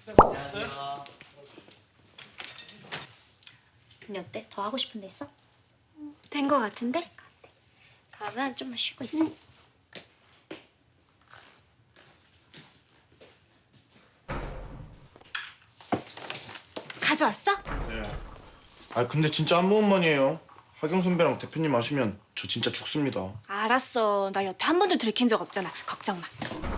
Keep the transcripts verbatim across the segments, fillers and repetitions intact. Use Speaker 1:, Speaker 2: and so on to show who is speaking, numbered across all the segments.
Speaker 1: 안녕하세요.
Speaker 2: 언니 어때? 더 하고 싶은 데 있어?
Speaker 3: 된 거 같은데?
Speaker 2: 그러면 좀만 쉬고 있어.
Speaker 3: 응. 가져왔어?
Speaker 4: 네. 아 근데 진짜 한 모금만이에요. 하경 선배랑 대표님 마시면 저 진짜 죽습니다.
Speaker 3: 알았어. 나 여태 한 번도 들킨 적 없잖아. 걱정 마.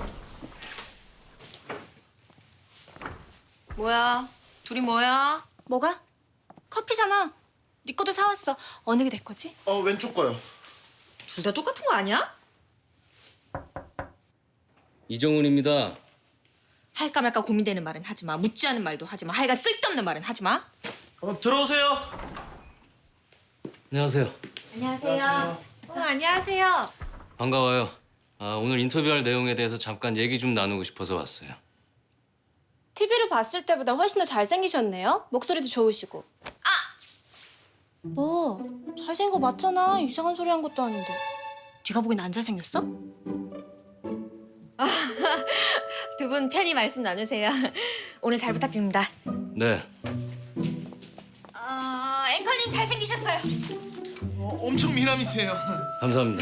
Speaker 5: 뭐야? 둘이 뭐야?
Speaker 3: 뭐가? 커피잖아. 네 것도 사왔어. 어느 게 내 거지?
Speaker 4: 어 왼쪽 거요.
Speaker 5: 둘 다 똑같은 거 아니야?
Speaker 1: 이정훈입니다.
Speaker 5: 할까 말까 고민되는 말은 하지 마. 묻지 않은 말도 하지 마. 하여간 쓸데없는 말은 하지 마.
Speaker 4: 어, 들어오세요.
Speaker 1: 안녕하세요.
Speaker 2: 안녕하세요.
Speaker 3: 어, 안녕하세요.
Speaker 1: 반가워요. 아, 오늘 인터뷰할 내용에 대해서 잠깐 얘기 좀 나누고 싶어서 왔어요.
Speaker 3: 티비로 봤을 때보다 훨씬 더 잘생기셨네요. 목소리도 좋으시고. 아! 뭐? 잘생긴 거 맞잖아. 이상한 소리 한 것도 아닌데.
Speaker 5: 네가 보기엔 안 잘생겼어?
Speaker 6: 두 분 편히 말씀 나누세요. 오늘 잘 부탁드립니다.
Speaker 1: 네.
Speaker 6: 어, 앵커님 잘생기셨어요.
Speaker 4: 어, 엄청 미남이세요.
Speaker 1: 감사합니다.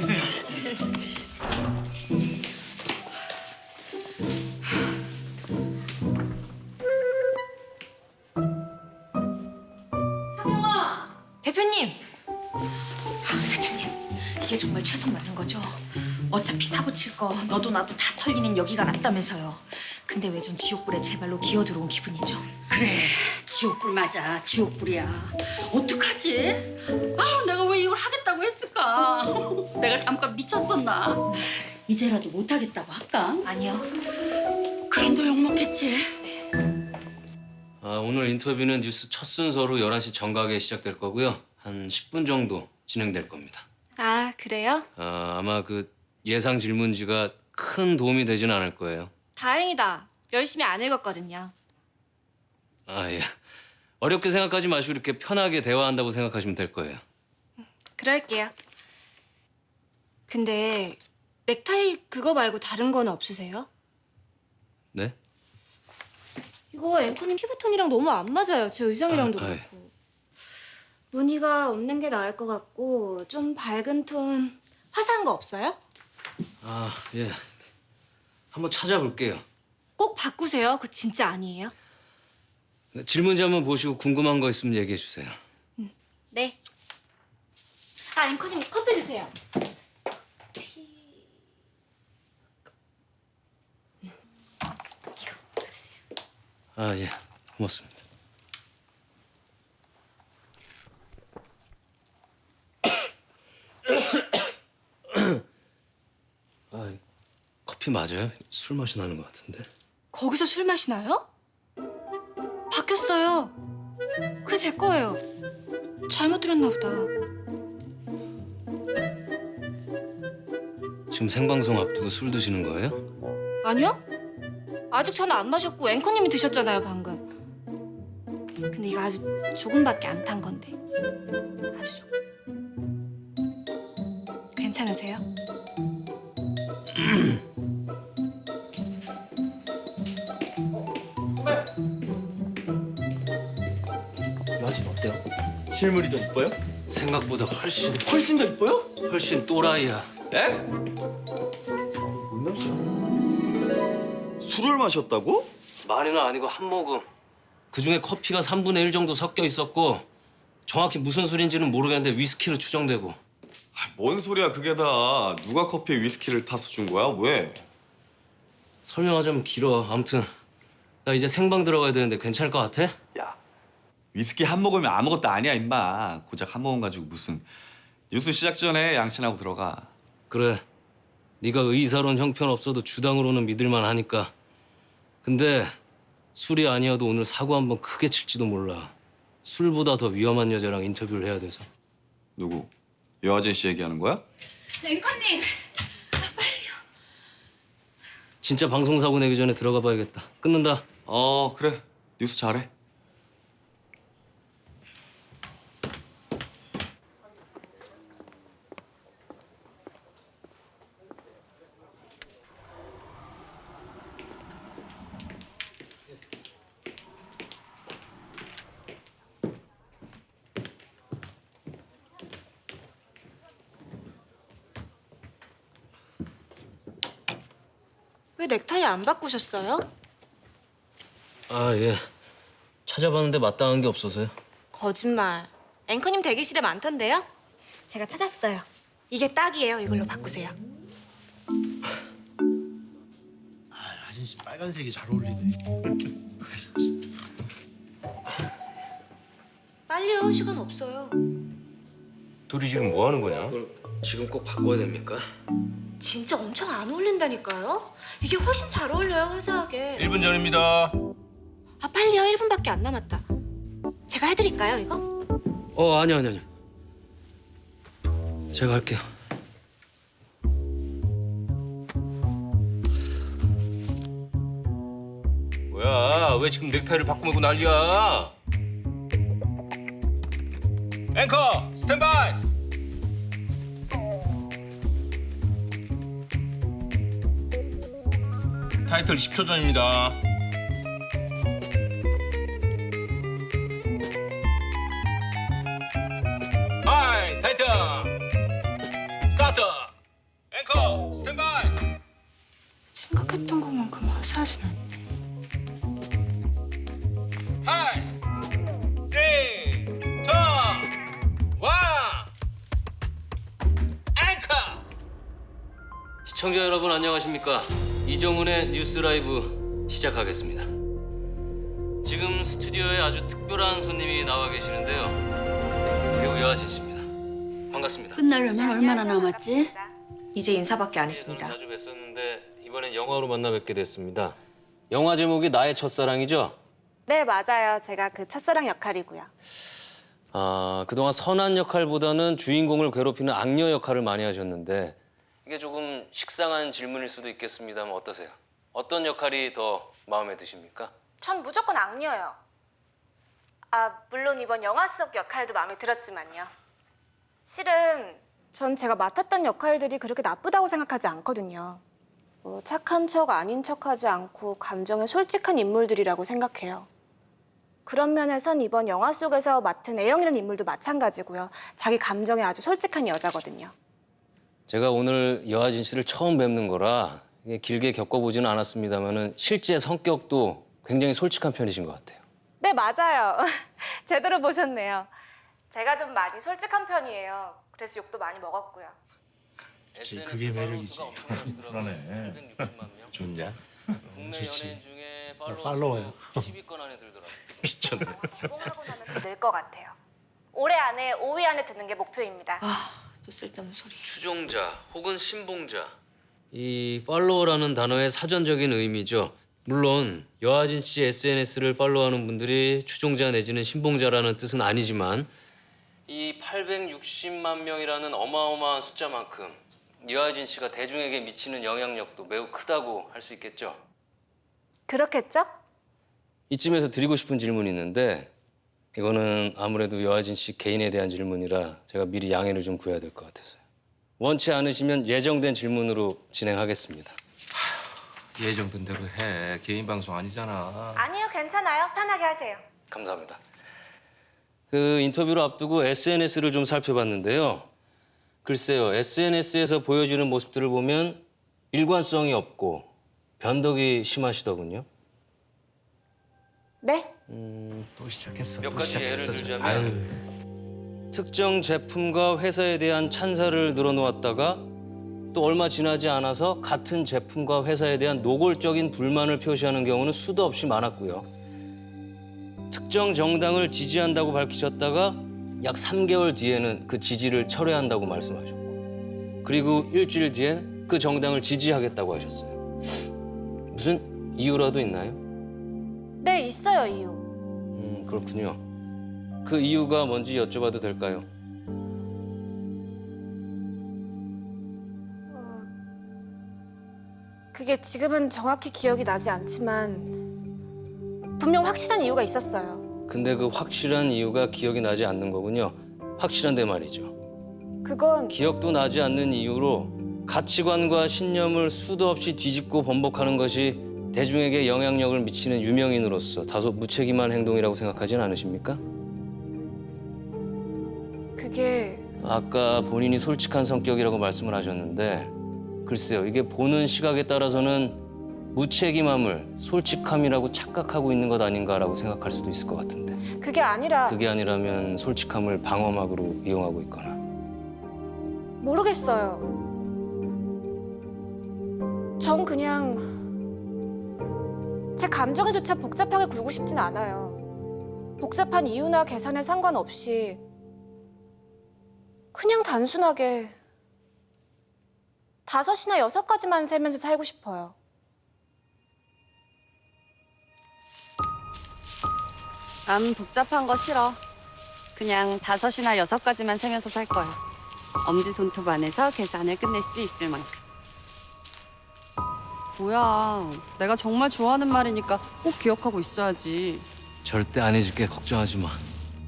Speaker 5: 대표님! 아, 대표님. 이게 정말 최선 맞는 거죠? 어차피 사고 칠 거 너도 나도 다 털리는 여기가 낫다면서요. 근데 왜 전 지옥불에 제 발로 기어 들어온 기분이죠?
Speaker 7: 그래, 지옥불 맞아, 지옥불이야. 어떡하지? 아, 내가 왜 이걸 하겠다고 했을까? 내가 잠깐 미쳤었나? 이제라도 못하겠다고 할까?
Speaker 5: 아니요.
Speaker 7: 그럼 너 욕먹겠지?
Speaker 1: 아, 오늘 인터뷰는 뉴스 첫 순서로 열한 시 정각에 시작될 거고요. 한 십 분 정도 진행될 겁니다.
Speaker 3: 아, 그래요?
Speaker 1: 아, 아마 그 예상 질문지가 큰 도움이 되지는 않을 거예요.
Speaker 3: 다행이다. 열심히 안 읽었거든요.
Speaker 1: 아, 예. 어렵게 생각하지 마시고 이렇게 편하게 대화한다고 생각하시면 될 거예요.
Speaker 3: 그럴게요. 근데 넥타이 그거 말고 다른 건 없으세요?
Speaker 1: 네?
Speaker 3: 이거 앵커님 피부톤이랑 너무 안 맞아요. 제 의상이랑도
Speaker 1: 아, 아이.
Speaker 3: 그렇고. 무늬가 없는 게 나을 것 같고 좀 밝은 톤 화사한 거 없어요?
Speaker 1: 아, 예. 한번 찾아볼게요.
Speaker 3: 꼭 바꾸세요. 그거 진짜 아니에요?
Speaker 1: 질문지 한번 보시고 궁금한 거 있으면 얘기해 주세요.
Speaker 3: 네. 아, 앵커님 커피 드세요.
Speaker 1: 아, 예. 고맙습니다. 아, 커피 맞아요? 술 맛이 나는 것 같은데.
Speaker 3: 거기서 술 마시나요? 바뀌었어요. 그게 제 거예요. 잘못 들었나 보다.
Speaker 1: 지금 생방송 앞두고 술 드시는 거예요?
Speaker 3: 아니요? 아직 저는 안 마셨고 앵커님이 드셨잖아요, 방금. 근데 이거 아주 조금밖에 안 탄 건데. 아주 조금. 괜찮으세요?
Speaker 8: 여하진 어때요? 실물이 더 이뻐요?
Speaker 1: 생각보다 훨씬
Speaker 8: 훨씬 더 이뻐요?
Speaker 1: 훨씬 또라이야.
Speaker 8: 에? 뭔 냄새야? 술을 마셨다고?
Speaker 1: 많이는 아니고 한 모금. 그중에 커피가 삼분의 일 정도 섞여 있었고 정확히 무슨 술인지는 모르겠는데 위스키로 추정되고.
Speaker 9: 아, 뭔 소리야 그게 다. 누가 커피에 위스키를 타서 준 거야? 왜?
Speaker 1: 설명하자면 길어. 아무튼 나 이제 생방 들어가야 되는데 괜찮을 것 같아?
Speaker 9: 야, 위스키 한 모금이면 아무것도 아니야 임마. 고작 한 모금 가지고 무슨. 뉴스 시작 전에 양친하고 들어가.
Speaker 1: 그래. 네가 의사론 형편없어도 주당으로는 믿을만 하니까. 근데 술이 아니어도 오늘 사고 한번 크게 칠지도 몰라. 술보다 더 위험한 여자랑 인터뷰를 해야 돼서.
Speaker 9: 누구? 여아진 씨 얘기하는 거야?
Speaker 7: 앵커님!
Speaker 1: 진짜 방송 사고 내기 전에 들어가 봐야겠다. 끊는다.
Speaker 9: 어 그래. 뉴스 잘해.
Speaker 3: 왜 넥타이 안 바꾸셨어요?
Speaker 1: 아, 예. 찾아봤는데 마땅한 게 없어서요.
Speaker 3: 거짓말. 앵커님 대기실에 많던데요? 제가 찾았어요. 이게 딱이에요. 이걸로 바꾸세요.
Speaker 8: 아, 하진 씨 빨간색이 잘 어울리네.
Speaker 3: 빨리요. 시간 없어요.
Speaker 1: 둘이 지금 뭐 하는 거냐? 그걸 지금 꼭 바꿔야 됩니까?
Speaker 3: 진짜 엄청 안 어울린다니까요? 이게 훨씬 잘 어울려요. 화사하게.
Speaker 10: 일 분 전입니다.
Speaker 3: 아 빨리요. 일 분밖에 안 남았다. 제가 해드릴까요 이거?
Speaker 1: 어, 아니, 아니, 아니. 제가 할게요.
Speaker 10: 뭐야? 왜 지금 넥타이를 바꾸고 난리야? 앵커 스탠바이. 타이틀 십 초 전입니다. 하이 타이틀 스타트. 앵커 스탠바이.
Speaker 3: 생각했던 것만큼 화사하진 않네.
Speaker 10: 하이 쓰리 투 원 앵커.
Speaker 1: 시청자 여러분 안녕하십니까? 이정훈의 뉴스 라이브 시작하겠습니다. 지금 스튜디오에 아주 특별한 손님이 나와 계시는데요. 배우 여하진 씨입니다. 반갑습니다.
Speaker 7: 끝나려면 얼마나 남았지?
Speaker 5: 이제 인사밖에 안 했습니다.
Speaker 1: 자주 뵀었는데 이번엔 영화로 만나 뵙게 됐습니다. 영화 제목이 나의 첫사랑이죠?
Speaker 3: 네 맞아요. 제가 그 첫사랑 역할이고요.
Speaker 1: 아, 그동안 선한 역할보다는 주인공을 괴롭히는 악녀 역할을 많이 하셨는데 이게 조금 식상한 질문일 수도 있겠습니다만 어떠세요? 어떤 역할이 더 마음에 드십니까?
Speaker 3: 전 무조건 악녀요. 아 물론 이번 영화 속 역할도 마음에 들었지만요. 실은 전 제가 맡았던 역할들이 그렇게 나쁘다고 생각하지 않거든요. 뭐 착한 척 아닌 척하지 않고 감정에 솔직한 인물들이라고 생각해요. 그런 면에선 이번 영화 속에서 맡은 애영이라는 인물도 마찬가지고요. 자기 감정에 아주 솔직한 여자거든요.
Speaker 1: 제가 오늘 여하진 씨를 처음 뵙는 거라 이게 길게 겪어보지는 않았습니다만은 실제 성격도 굉장히 솔직한 편이신 것 같아요.
Speaker 3: 네 맞아요. 제대로 보셨네요. 제가 좀 많이 솔직한 편이에요. 그래서 욕도 많이 먹었고요.
Speaker 8: 그치, 그게 매력이지.
Speaker 4: 불안해.
Speaker 8: 좋냐?
Speaker 1: 국내
Speaker 8: 좋지.
Speaker 1: 연예인 중에
Speaker 8: 나 팔로워요.
Speaker 1: 십 위권 안에 들더라고요.
Speaker 8: 미쳤네.
Speaker 3: 개봉하고 나면 더 늘 것 같아요. 올해 안에 오 위 안에 드는 게 목표입니다.
Speaker 5: 아, 또 쓸데없는 소리.
Speaker 1: 추종자 혹은 신봉자. 이 팔로워라는 단어의 사전적인 의미죠. 물론 여하진 씨 에스엔에스를 팔로우하는 분들이 추종자 내지는 신봉자라는 뜻은 아니지만 이 팔백육십만 명이라는 어마어마한 숫자만큼 여하진 씨가 대중에게 미치는 영향력도 매우 크다고 할 수 있겠죠.
Speaker 3: 그렇겠죠?
Speaker 1: 이쯤에서 드리고 싶은 질문이 있는데 이거는 아무래도 여하진 씨 개인에 대한 질문이라 제가 미리 양해를 좀 구해야 될 것 같아서요. 원치 않으시면 예정된 질문으로 진행하겠습니다.
Speaker 10: 예정된 대로 해. 개인 방송 아니잖아.
Speaker 3: 아니요, 괜찮아요. 편하게 하세요.
Speaker 1: 감사합니다. 그 인터뷰를 앞두고 에스엔에스를 좀 살펴봤는데요. 글쎄요, 에스엔에스에서 보여지는 모습들을 보면 일관성이 없고 변덕이 심하시더군요.
Speaker 3: 네?
Speaker 8: 또 시작했어.
Speaker 1: 몇
Speaker 8: 또
Speaker 1: 가지 예를
Speaker 8: 시작했어.
Speaker 1: 들자면
Speaker 8: 아유,
Speaker 1: 특정 제품과 회사에 대한 찬사를 늘어놓았다가 또 얼마 지나지 않아서 같은 제품과 회사에 대한 노골적인 불만을 표시하는 경우는 수도 없이 많았고요. 특정 정당을 지지한다고 밝히셨다가 약 삼 개월 뒤에는 그 지지를 철회한다고 말씀하셨고 그리고 일주일 뒤엔 그 정당을 지지하겠다고 하셨어요. 무슨 이유라도 있나요?
Speaker 3: 네, 있어요, 이유.
Speaker 1: 음, 그렇군요. 그 이유가 뭔지 여쭤봐도 될까요?
Speaker 3: 그게 지금은 정확히 기억이 나지 않지만 분명 확실한 이유가 있었어요.
Speaker 1: 근데 그 확실한 이유가 기억이 나지 않는 거군요. 확실한데 말이죠.
Speaker 3: 그건
Speaker 1: 기억도 나지 않는 이유로 가치관과 신념을 수도 없이 뒤집고 번복하는 것이 대중에게 영향력을 미치는 유명인으로서 다소 무책임한 행동이라고 생각하진 않으십니까?
Speaker 3: 그게
Speaker 1: 아까 본인이 솔직한 성격이라고 말씀을 하셨는데 글쎄요, 이게 보는 시각에 따라서는 무책임함을 솔직함이라고 착각하고 있는 것 아닌가라고 생각할 수도 있을 것 같은데.
Speaker 3: 그게 아니라
Speaker 1: 그게 아니라면 솔직함을 방어막으로 이용하고 있거나.
Speaker 3: 모르겠어요. 전 그냥 제 감정에조차 복잡하게 굴고 싶진 않아요. 복잡한 이유나 계산에 상관없이 그냥 단순하게 다섯이나 여섯 가지만 세면서 살고 싶어요.
Speaker 11: 난 복잡한 거 싫어. 그냥 다섯이나 여섯 가지만 세면서 살 거야. 엄지손톱 안에서 계산을 끝낼 수 있을 만큼. 뭐야, 내가 정말 좋아하는 말이니까 꼭 기억하고 있어야지.
Speaker 1: 절대 안 해줄게. 걱정하지 마.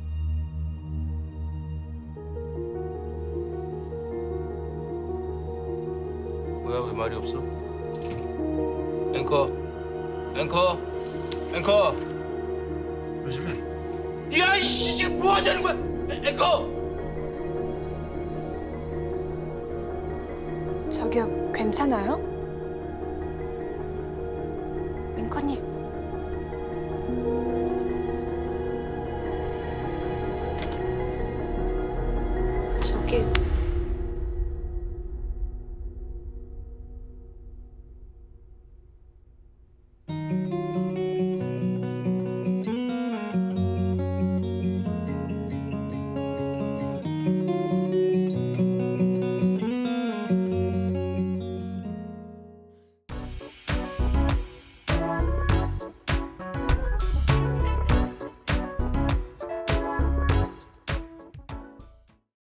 Speaker 10: 뭐야 왜 말이 없어?
Speaker 4: 앵커, 앵커, 앵커. 왜 저래? 야, 이씨 지금 뭐 하자는 거야? 앵- 앵커.
Speaker 3: 저기요, 괜찮아요? 앵커님.